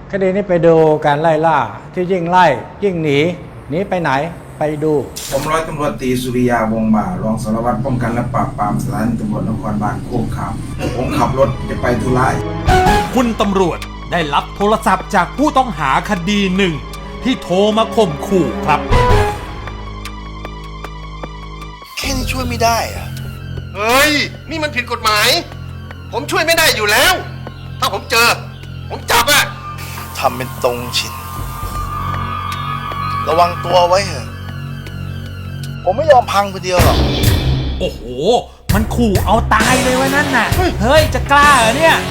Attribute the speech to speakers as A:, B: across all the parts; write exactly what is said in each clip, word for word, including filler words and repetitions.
A: คดีนี้ไปดูการไล่ล่าที่ยิ่งไล่ยิ่งหนีหนีไปไหนไปดู
B: ผมร้อยตำรวจตรีสุริยาวงศ์บ่ารองสารวัตรป้องกันและปราบปรามสถานีตำรวจนครบาลโคกขามผมขับรถจะไปธุระ
C: คุณตำรวจได้รับโทรศัพท์จากผู้ต้องหาคดีหนึ่งที่โทรมาข่มขู่ครับ
D: แค่นี้ช่วยไม่ได้อะ
E: เฮ้ยนี่มันผิดกฎหมายผมช่วยไม่ได้อยู่แล้วถ้าผมเจอผมจับอะ
D: ทำเป็นตรงชินระวังตัวไว้เถอะผมไม่ยอมพังคนเดียวหรอก
C: โอ้โหมันขู่เอาตายเลยวะนั่นน่ะเฮ้ยจะกล้าเหรอเนี่ย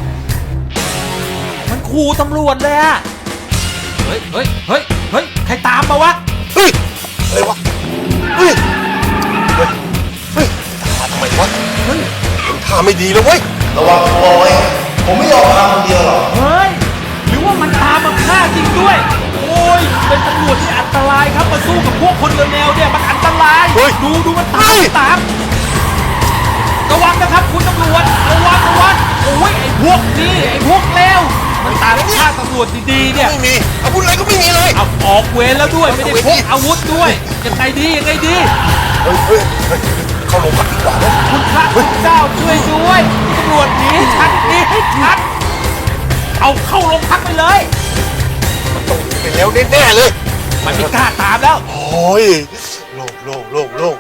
C: มันขู่ตำรวจเลยอะเฮ้ยเฮ้ยเฮ้ยเฮ้ยใครตามมาวะ
D: เฮ้ยอะไรวะเฮ้ยเฮ้ยเฮ้ยตามทำไมวะเฮ้ยผมท่าไม่ดีแล้วเว้ยระวังตัวไว้ผมไม่ยอมพังคนเดียวหรอก
C: เฮ้ยหรือว่ามันตามมาฆ่าจริงด้วยโอ้ยเป็นตำรวจที่อันตรายครับมาสู้กับพวกคนเร็วๆเนี่ยมันอันตรายดูดูมันตามตามระวังนะครับคุณตำรวจระวังระวังโอ้ยไอ้พวกนี้ไอ้พวกเลวมันตามฆ่าตำรวจดีๆเนี่ย
D: ไม่มีอาวุธอะไรก็ไม่มีเลย
C: เอาออกเวรแล้วด้วยไม่ได้พกอาวุธด้วยยังไงดียังไงดี
D: เฮ้ยเฮ้ยเข้าโรงพักดีกว่านะ
C: คุณพระคุณเจ้าช่วยด้วยตำรวจหนีชัดหนีให้ชัดเอาเข้าโรงพักไปเลย
D: มันต้องไปแล้วแน่ๆเลย
C: มันไม่กล้าตามแล้ว
D: โอ้ยโล่งโล่งโล่งโล่ง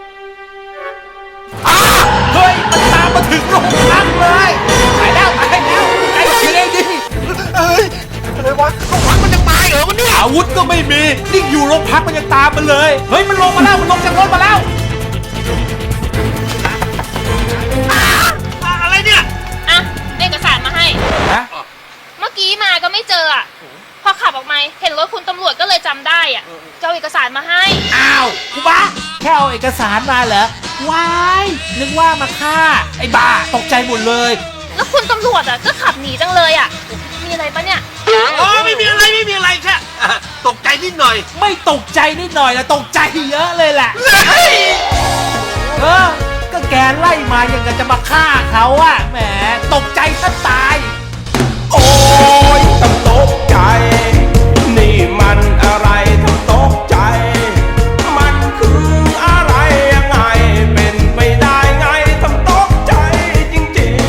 C: เฮ้ยมันตามมาถึงโรงพักเลยตายแล้วตายแล้วไอ้ยังไงดี
D: เฮ้ยอะไรวะโรงพักมันยังตายเหรอมันเนี่ย
C: อาวุธก็ไม่มีนี่อยู่โรงพักมันยังตามมาเลยเฮ้ยมันลงมาแล้วมันลงจากรถมาแล้วอะไรเนี่ย
F: อ่ะเอกสารมาให้
C: ฮะ
F: เมื่อกี้มาก็ไม่เจออ่ะพอขับออกมาเห็นรถคุณตำรวจก็เลยจำได้อ่ะจะเอาเอกสารมาให้
C: อ้าวกูบ้าแค่เอาเอกสารมาเหรอว้ายนึกว่ามาฆ่าไอ้บ้าตกใจหมดเลย
F: แล้วคุณตำรวจอ่ะก็ขับหนีจังเลยอ่ะมีอะไรปะเนี่ย
E: อ๋อไม่มีอะไรไม่มีอะไรแค่ตกใจนิดหน่อย
C: ไม่ตกใจนิดหน่อยนะตกใจเยอะเลยแหละเออก็แกไล่มาอย่างกับจะมาฆ่าเขาอะแหมตกใจซะตาย
G: โอ้ยต้องตกใจนี่มันอะไรต้องตกใจมันคืออะไรยังไงเป็นไปได้ไงต้องตกใจจริง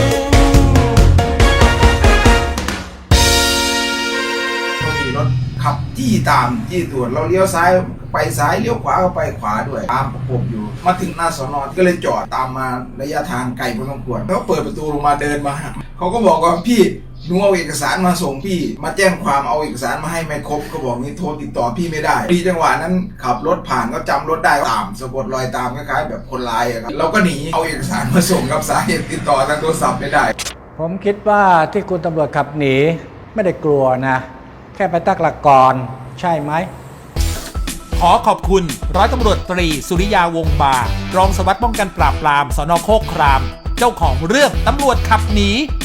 B: ๆมีรถขับจี้ตามจี้ตรวจเราเลี้ยวซ้ายไปซ้ายเลี้ยวขวาก็ไปขวาด้วยตามประกบอยู่มาถึงหน้าสน.ก็เลยจอดตามมาระยะทางไกลพอสมควรเขาเปิดประตูลงมาเดินมาเขาก็บอกว่าพี่หนูเอาเอกสารมาส่งพี่มาแจ้งความเอาเอกสารมาให้ไม่ครบก็บอกนี้โทรติดต่อพี่ไม่ได้ดีจังหวะนั้นขับรถผ่านก็จำรถได้ตามสะกดรอยตามคล้ายๆแบบคนร้ายอะครับเราก็หนีเอาเอกสารมาส่งกับสาเหตุติดต่อทางโทรศัพท์ไม่ได้
A: ผมคิดว่าที่คุณตำรวจขับหนีไม่ได้กลัวนะแค่ไปตั้งหลักก่อนใช่ไหม
C: ขอขอบคุณร้อยตำรวจตรีสุริยาวงศ์บารองสารวัตรป้องกันปราบปรามสน.โคกครามเจ้าของเรื่องตำรวจขับหนี